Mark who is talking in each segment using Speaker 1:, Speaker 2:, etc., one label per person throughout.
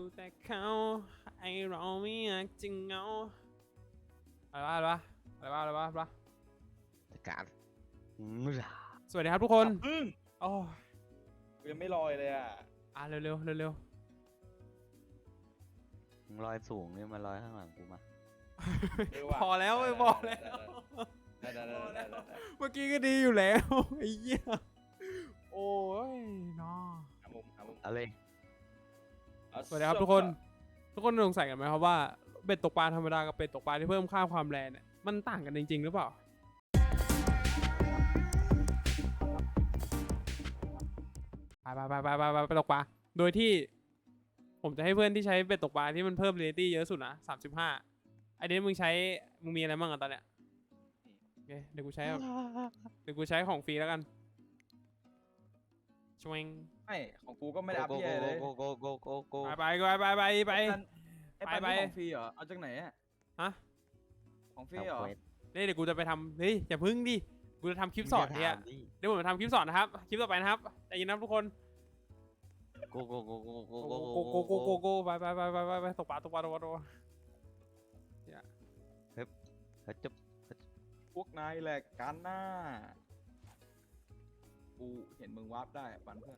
Speaker 1: แต่เขาไอเราไม่อยากจะเหงาอะไรวะ
Speaker 2: จัดการ
Speaker 1: สวัสดีครับทุกคน
Speaker 3: พึ่ง
Speaker 1: โอ้
Speaker 3: กูยังไม่ลอยเลยอ่ะ
Speaker 1: เร็ว
Speaker 2: มึงลอยสูงเนี่ยมาลอยข้างหลังกูมา
Speaker 1: พอแล้วไม่พอแล้ว
Speaker 3: ได้
Speaker 1: เมื่อกี้ก็ดีอยู่แล้วไอ้เหี้ยโอ้ยน้อ
Speaker 3: หามุม
Speaker 2: เอาเลย
Speaker 1: สวัสดีครับทุกคนสงสัยกันไหมครับว่าเบ็ดตกปลาธรรมดากับเบ็ดตกปลาที่เพิ่มค่าความแรงเนี่ยมันต่างกันจริงๆหรือเปล่าไปตกปลาโดยที่ผมจะให้เพื่อนที่ใช้เบ็ดตกปลาที่มันเพิ่มเรตตี้เยอะสุดนะ35ไอเดนมึงมีอะไรบ้างอะตอนเนี้ยโอเคเดี๋ยวกูใช้ของฟรีแล้วกันชวง
Speaker 3: ไม่ของกูก็ไม่ได้อัพเหี้ยเลย
Speaker 2: โก
Speaker 1: ไป
Speaker 3: ไอ้ปันของฟรีเหรอ เอาจากไหนอ่ะ
Speaker 1: ฮะ
Speaker 3: ของฟรีเหรอ
Speaker 1: เดี๋ยวกูจะไปทำเฮ้ยอย่าพึ่งดิกูจะทำคลิปสอนเนี่ยเดี๋ยวผมจะทำคลิปสอนนะครับคลิปต่อไปนะครับใจเย็นนะทุกคนโกไปตกปลาเนี่ย
Speaker 2: จะ
Speaker 3: พวกนายแหละกันหน้า กูเห็นมึงวาร์ปได้ปันเพื่อน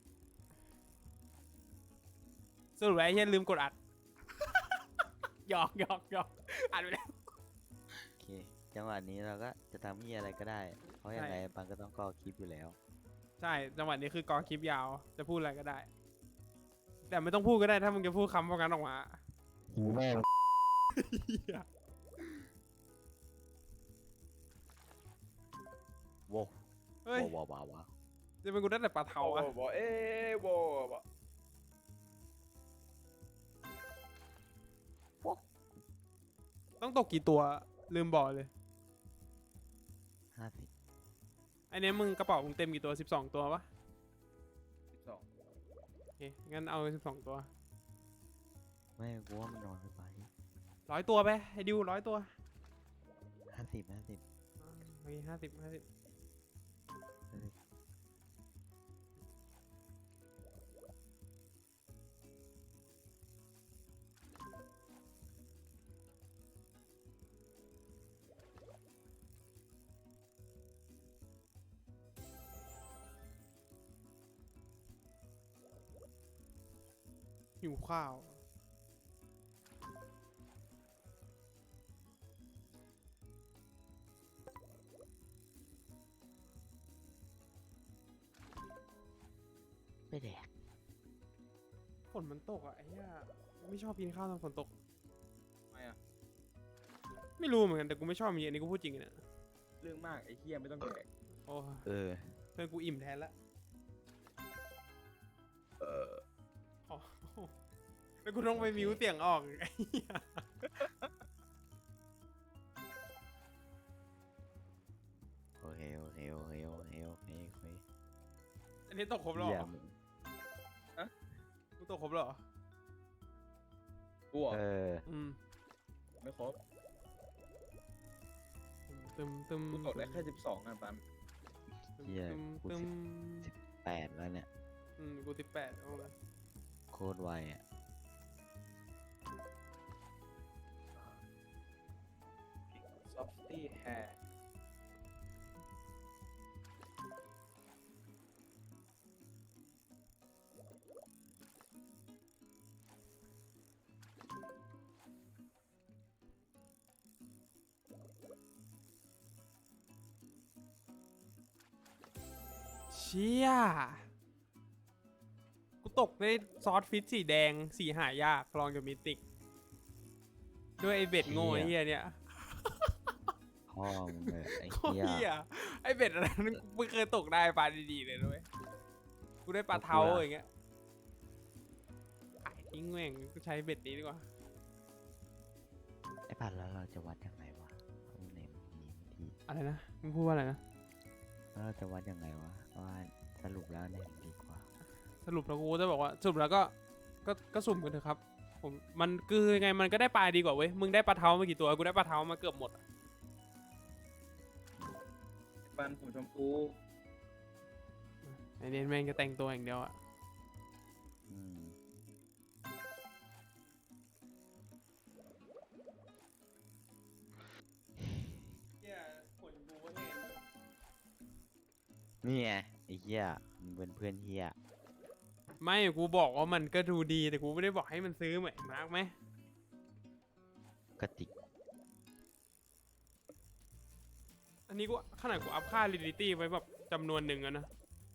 Speaker 1: สรุปไอ้เฮียลืมกดอัดหยอกอัดไปแล้ว
Speaker 2: โอเคจังหวะนี้เราก็จะทำที่อะไรก็ได้ เพราะยังไงปังก็ต้องกอคลิปอยู่แล้ว
Speaker 1: ใช่จังหวะนี้คือกอคลิปยาวจะพูดอะไรก็ได้แต่ไม่ต้องพูดก็ได้ถ้ามึงจะพูดคำพวกนั้นออกมา
Speaker 2: หูแม่ง โว้
Speaker 1: เฮ้ย
Speaker 2: ว้าว
Speaker 1: จะเป็นกูได้แต่ปลาเทาอะ
Speaker 3: บอกบอก
Speaker 1: ต้องตกกี่ตัวลืมบอกเลย
Speaker 2: 50
Speaker 1: ไอ้เนี้ยมึงกระเป๋ามึงเต็มกี่ตัว12ตัวปะ
Speaker 3: 12
Speaker 1: โอเคงั้นเอา12ตัว
Speaker 2: ไม่กูว่ามันนอนไป
Speaker 1: 100ตัวไปให้ดิว100ตัว
Speaker 2: 50
Speaker 1: โอเค50หิวข้าว
Speaker 2: ไม่แดก
Speaker 1: ฝนมันตกอ่ะไอ้เหี้ยไม่ชอบกินข้าวตอนฝนตก
Speaker 3: ไม่อะ
Speaker 1: ไม่รู้เหมือนกันแต่กูไม่ชอบมีอันนี้กูพูดจริงนะ
Speaker 3: เรื่องมากไอ้เหี้ยไม่ต้องแดก
Speaker 1: โอ้
Speaker 2: เออ
Speaker 1: เพื่อนกูอิ่มแทนละอ๋อแล้วกูต้องไปมิวเสียงออกไอ้เหี้ย
Speaker 2: โอเค
Speaker 1: อันนี้ตกครบแล้วเหรอกูตกครบแล้วเหรอ
Speaker 3: กูเหรอ ไม่ครบ
Speaker 1: ตึม
Speaker 3: กูตกได้แค่12อ่ะปัน
Speaker 2: เหี้ยกู18แล้วเนี่ย
Speaker 1: กู18เอาละ
Speaker 2: โคตรไวอ่ะ
Speaker 3: ซอฟตี้แฮร์
Speaker 1: เชี่ยกูตกได้ซอสฟิตสีแดงสีหายากลองจากมิติกด้วยไอเบ็ดโง่ไอ้เหี้ยเนี่ย
Speaker 2: พ่อมึงเลยไอ้
Speaker 1: โคตร
Speaker 2: เหี้ย
Speaker 1: เหี้ยไอเบ็ดอะไรนั้นกูไม่เคยตกได้ปลาดีๆเลยด้วยกูได้ปลาเทาอย่างเงี้ยขายทิ้งแม่งกูใช้เบ็ดนี้ดีกว่า
Speaker 2: ไอ้ปัดแล้วเราจะวัดยังไงวะเอาไหนมันดีไม่ดี
Speaker 1: อะไรนะมึงพูดว่าอะไรนะ
Speaker 2: แล้วเราจะวัดยังไงวะว่าสรุปแล้วเนี่ยมันดีกว่า
Speaker 1: สรุปแล้วกูจะบอกว่าสรุปแล้วก็สุ่มกันเถอะครับผมมันคือยังไงมันก็ได้ปลาดีกว่าเว้ยมึงได้ปลาเทามากี่ตัวกูได้ปลาเทามาเกือบหมดอะ
Speaker 3: ปันผมชมพู
Speaker 1: ไอเดนแม่งจะแต่งตัวอย่างเดียวอะ
Speaker 2: อืมนี่ไงไอ้เหี้ยมึงเป็นเพื่อนเหี้ย
Speaker 1: ไม่กูบอกว่ามันก็ดูดีแต่กูไม่ได้บอกให้มันซื้อเหมือนมาร์กไหม
Speaker 2: กระติก
Speaker 1: อันนี้กูขนาดกูอัพค่า Reality ไว้แบบจำนวนหนึ่งอะนะ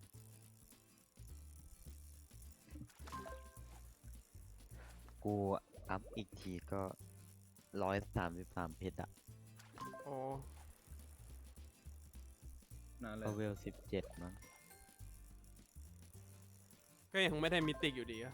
Speaker 2: กูอัพอีกทีก็133เพชรอะ
Speaker 1: โอ้
Speaker 3: นานเลย
Speaker 2: ก็เวล17มั้ง
Speaker 1: ก็ยังไม่ได้มิติกอยู่ดีอะ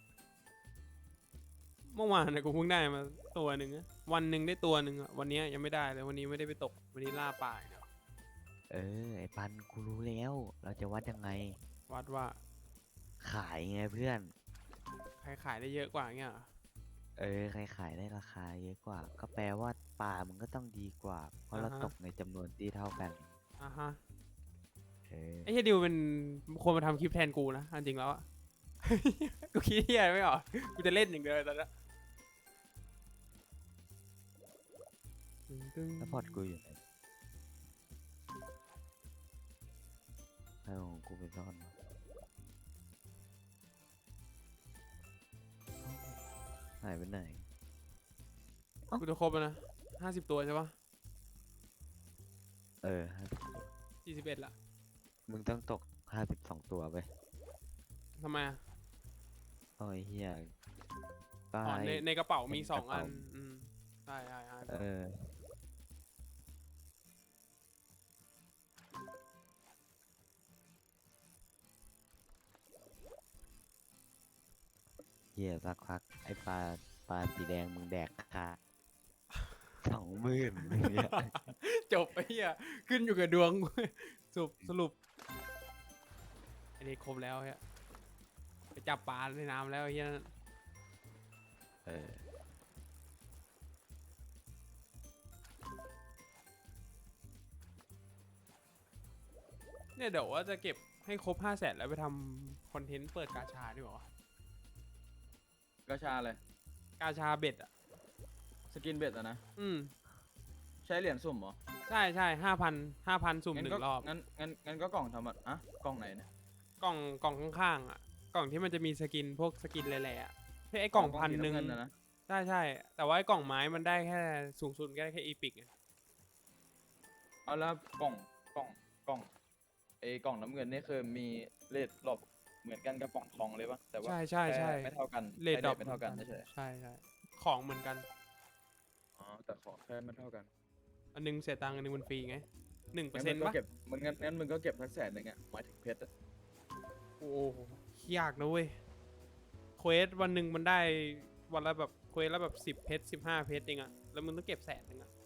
Speaker 1: เมื่อวานนะกูเพิ่งได้มาตัวหนึ่งอะวันหนึ่งได้ตัวหนึ่งอะวันนี้ยังไม่ได้เลยวันนี้ไม่ได้ไปตกวันนี้ล่าป่าอย่างเดียว
Speaker 2: ไอ้ปันกูรู้แล้ว เราจะวัดยังไง
Speaker 1: วัดว่า
Speaker 2: ขายไงเพื่อน
Speaker 1: ใครขายได้เยอะกว่าเงี้ยเหรอ
Speaker 2: ใครขายได้ราคาเยอะกว่า ก็แปลว่าปลามันก็ต้องดีกว่า เพราะเราตกในจำนวนที่เท่ากัน
Speaker 1: อ่ะฮะ
Speaker 2: เออ
Speaker 1: ไอ้เฮียดิวเป็นคนมาทำคลิปแทนกูนะอันจริงแล้วอะ กูคิดเฮียไม่ออกกูจะเล่นอย่างเดียวตอนนี้
Speaker 2: แล้วพอร์ตกูอยู่ไหนเอาของกูไปซ่อนวะหายไปไหน
Speaker 1: กูจะครบแล้วนะ50 ตัวใช่ปะ
Speaker 2: 50
Speaker 1: 41ละ
Speaker 2: มึงต้องตก52 ตัวไป
Speaker 1: ทำไมอะ
Speaker 2: โอ้ยเฮีย
Speaker 1: อ๋อ
Speaker 2: ตาย
Speaker 1: ในกระเป๋ามี
Speaker 2: ในก
Speaker 1: สอ
Speaker 2: ระ
Speaker 1: ง
Speaker 2: เป๋า
Speaker 1: อันใช่
Speaker 2: เฮียสักพักไอ้ปลาสีแดงมึงแดกค่ะ20,000เนี่ย
Speaker 1: จบไอ้เหี้ยขึ้นอยู่กับดวง สรุปอันนี้ครบแล้วเฮียไปจับปลาในน้ำแล้วไอ้เฮียนั่น
Speaker 2: เออ
Speaker 1: เนี่ยเดี๋ยวว่าจะเก็บให้ครบ500,000แล้วไปทำคอนเทนต์เปิดกาชาดีกว่า
Speaker 3: กระชาเลย
Speaker 1: กาชาเบ็ดอ่ะ
Speaker 3: สกินเบ็ดอะนะ ใช้เหรียญสุ่มเหรอ
Speaker 1: ใช่5,000สุ่มหนึ่
Speaker 3: ก็
Speaker 1: งรอบ
Speaker 3: งั้นก็กล่องทำอะกล่องไหนเนี่ย
Speaker 1: กล่องข้างๆอ่ะกล่องที่มันจะมีสกินพวกสกินแหล่ๆอ่ะไอ้กล่องพันหนึ่ง
Speaker 3: สีำเะนะ
Speaker 1: ใช่แต่ว่าไอ้กล่องไม้มันได้แค่สูงสุดก็ได้แค่อีพิกไง
Speaker 3: เอาแล้วกล่องไอ้กล่องน้ำเงินนี่คือมีเลทดรอปเหมือนกันกับกล่องทองเลยปะแต่ว่า
Speaker 1: ใช่
Speaker 3: แค่ไม่เท่ากัน
Speaker 1: เลทดรอป
Speaker 3: ไม่เท่ากันเฉย
Speaker 1: ใช่ของเหมือนกัน
Speaker 3: ๆอ๋อแต่ของแค่ไม่เท่ากัน
Speaker 1: อันนึงเสียตังค์อันนึงมันฟรีไง1%
Speaker 3: งั้นมึงก็
Speaker 1: ปะ
Speaker 3: เก็บงั้นมึงก็เก็บสัก100,000อะหมายถึงเพชรอะ
Speaker 1: โอ้โหยากนะเว้ยเควสวันหนึ่งมันได้วันละแบบเควสละแบบ10 เพชร15 เพชรเองอะแล้วมึงต้องเก็บ100,000อะ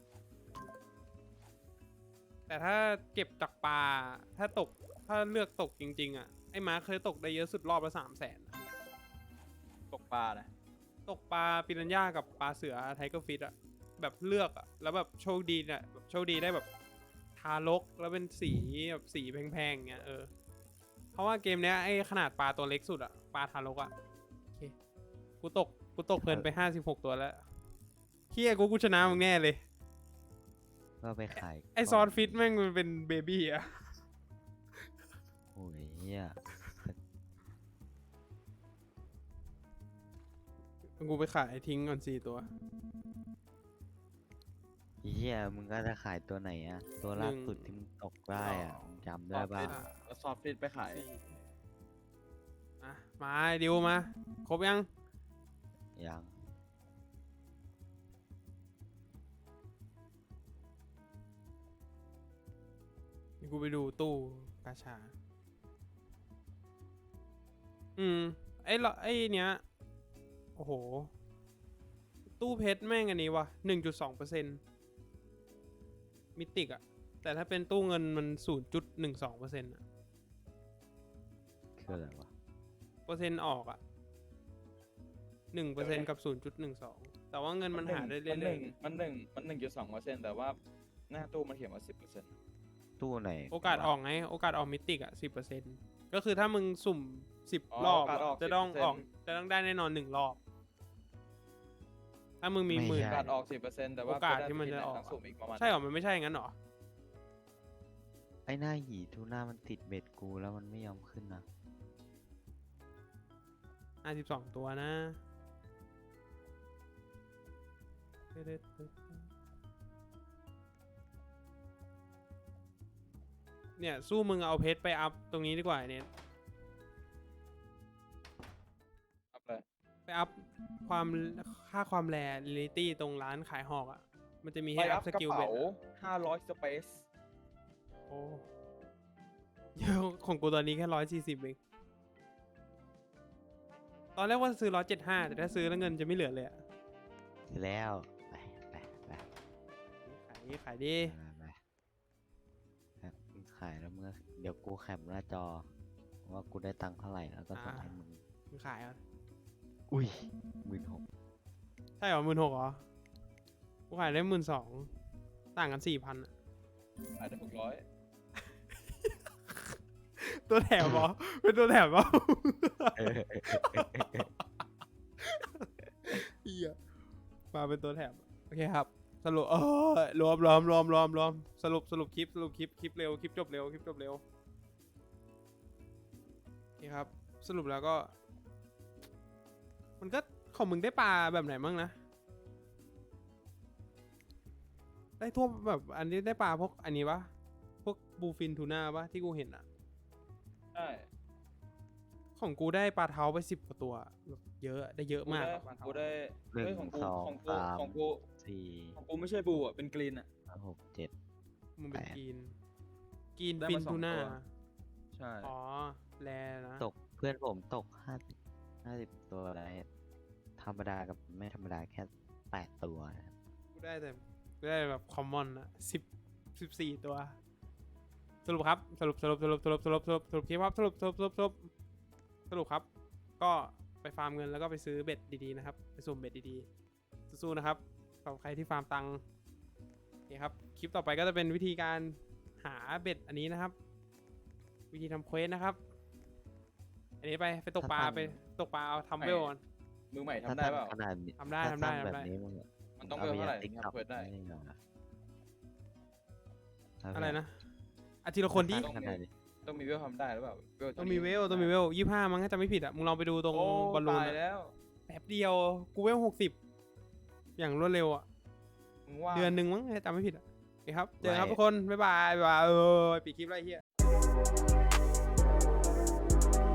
Speaker 1: แต่ถ้าเก็บจากปลาถ้าเลือกตกจริงๆอะไอ้มาร์คเคยตกได้เยอะสุดรอบละ300,000
Speaker 3: ตกปลานะ
Speaker 1: ตกปลาปิรันย่ากับปลาเสือไทเกอร์ฟิชอะแบบเลือกอะแล้วแบบโชคดีเนี่ยแบบโชคดีได้แบบทารกแล้วเป็นสีแบบสีแพงๆเงี้ยเพราะว่าเกมเนี้ยไอ้ขนาดปลาตัวเล็กสุดอะปลาทารกอะโอเคกูตกเงินไป56 ตัวแล้วเฮียกูชนะมึงแน่เลย
Speaker 2: ก็ไปขาย
Speaker 1: ไอซอสฟิตแม่งมันเป็นเบบี้อะ
Speaker 2: โอ้ยเฮีย
Speaker 1: กูไปขายทิ้งก่อน4 ตัว
Speaker 2: เฮียมึงก็จะขายตัวไหนอะตัวล่าสุดที่มึงตกได้อะมึงจำได้ป่ะ
Speaker 3: แล้วซอฟต์ฟิตไปขาย
Speaker 1: อ่ะมาไอ้ดิวมาครบยัง
Speaker 2: ยัง
Speaker 1: เดี๋ยวกูไปดูตู้กาชา ไอ้เนี้ย โอ้โห ตู้เพชรแม่งอันนี้วะ1.2%มิติกอะแต่ถ้าเป็นตู้เงินมัน0.12%อะ
Speaker 2: คืออะไรวะ
Speaker 1: เปอร์เซ็นต์ออกอะ1%กับ0.12แต่ว่าเงินมันหาได้เรื่อย
Speaker 3: มัน1.2%แต่ว่าหน้าตู้มันเขียนว่า10%
Speaker 2: ตู้ไหน
Speaker 1: ๆโอกาสออกไงโอกาสออกมิติกอะ10%ก็คือถ้ามึงสุ่ม10 รอบ
Speaker 3: โอกาสออก
Speaker 1: จะต้อง
Speaker 3: 10%
Speaker 1: ออกจะต้องได้แน่นอน1 รอบ ถ้ามึงมี
Speaker 2: ไม่
Speaker 1: หมื่น
Speaker 2: ใช่
Speaker 3: โอกาสออก 10%แต่ว่า
Speaker 1: โอกาสที่มันจะออก
Speaker 3: ทั้งสุ่มอีกประมาณ
Speaker 1: ใช่เหรอมันไม่ใช่งั้นเหรอ
Speaker 2: ไอ้หน้าหีทูน่ามันติดเบ็ดกูแล้วมันไม่ยอมขึ้นนะ
Speaker 1: 52 ตัวนะเนี่ยสู้มึงเอาเพชรไปอัพตรงนี้ดีกว่าเนี่ย
Speaker 3: อัพเลย
Speaker 1: ไปอัพความค่าความแรเรลิตี้ตรงร้านขายหอกอ่ะ มันจะมี
Speaker 3: ไป
Speaker 1: ให้
Speaker 3: อั
Speaker 1: อั
Speaker 3: พ
Speaker 1: พส
Speaker 3: กระ
Speaker 1: กิล
Speaker 3: เป๋า
Speaker 1: เบ็ด
Speaker 3: 500 สเปซ
Speaker 1: โอ้เยอะของกูตอนนี้แค่140เองตอนแรกว่าจะซื้อ175แต่ถ้าซื้อแล้วเงินจะไม่เหลือเลยอ่ะ
Speaker 2: เสร็จแล้วไปไปไป
Speaker 1: ขายดี
Speaker 2: ไปมึงขายแล้วมึงก็เดี๋ยวกูแคปหน้าจอ ว่ากูได้ตังค์เท่าไหร่แล้วก็ส่งให้มึง
Speaker 1: มึงขายอ่ะ
Speaker 2: อุ้ย16,000
Speaker 1: ใช่เหรอ16,000เหรอกูขายได้12,000ต่างกัน4,000อ่ะ
Speaker 3: อาจจะ600
Speaker 1: ตัวแถมเหรอ เป็นตัวแถมเหรอ เฮียมาเป็นตัวแถมโอเคครับ สรุปรวมสรุปคลิปเร็วคลิปจบเร็วโอเคครับ สรุปแล้วก็ มันก็ของมึงได้ปลาแบบไหนมั่งนะได้ทั่วแบบอันนี้ได้ปลาพวกอันนี้ปะพวกบูฟินทูน่าปะที่กูเห็นอะ
Speaker 3: ใช่
Speaker 1: ของกูได้ปลาเท้าไป10 กว่าตัวแบบเยอะได้เยอะมากอะปลาเท้า
Speaker 3: กูได้
Speaker 2: หนึ่ง
Speaker 3: เฮ้ยของกู
Speaker 2: สอง
Speaker 3: ของกู
Speaker 2: สาม
Speaker 3: ของกู
Speaker 2: 4
Speaker 3: ของกูไม่ใช่บูอ่ะ เป็นกรีนอ่ะ
Speaker 2: 5 6
Speaker 1: มึงเป็น
Speaker 2: แปด
Speaker 1: กีน
Speaker 3: ได้
Speaker 1: ฟิ
Speaker 3: มาน 2
Speaker 1: ทูน่า
Speaker 3: ตัว ใช่
Speaker 1: อ๋อแลนะ
Speaker 2: 7ตกเพื่อนผมตก50ตัวได้ธรรมดากับไม่ธรรมดาแค่8ตัวนะครับ
Speaker 1: กูได้แบบคอมมอนอะ14 ตัว สรุปครับสรุปคลิปครับสรุปครับ ก็ไปฟาร์มเงินแล้วก็ไปซื้อเบ็ดดีๆนะครับไปสุ่มเบ็ดดีๆสู้ๆนะครับสำหรับใครที่ฟาร์มตังค์โอเคครับคลิปต่อไปก็จะเป็นวิธีการหาเบ็ดอันนี้นะครับ วิธีทำเควสนะครับ อันนี้ไปตกปลาเอาทำเวลก่อน
Speaker 3: มือใหม่
Speaker 2: ถ้า
Speaker 3: ทำได้เปล่า
Speaker 2: ขนาดนี้
Speaker 1: ทำได้
Speaker 2: ถ้าตั้งแบบ
Speaker 1: ทำได้
Speaker 2: นี้มึง
Speaker 3: มันต้องเวลเท่าไหร่
Speaker 2: ติ๊ก
Speaker 3: ถึง
Speaker 2: ต็อก
Speaker 3: ทำเปิดได้
Speaker 1: อะไรนะอาทีละคนดิ
Speaker 2: ขนาดนี้
Speaker 3: ต้องมีเวลทำได้หรือเปล่าเวล
Speaker 1: ต้องมีเวล25มั้งถ้าจำไม่ผิดอ่ะมึงลองไปดูตรง
Speaker 3: โอ้
Speaker 1: บอลลูน
Speaker 3: ตาย
Speaker 1: อะ
Speaker 3: แล้ว
Speaker 1: แป๊บเดียวกูเวล60อย่างรวดเร็วอ่ะ
Speaker 3: มึงว่า
Speaker 1: เดือนหนึ่งมั้งถ้าจำไม่ผิดอ่ะโอเคครับเจอกันครับทุกคน บ๊ายบายปิดคลิปไรเฮีย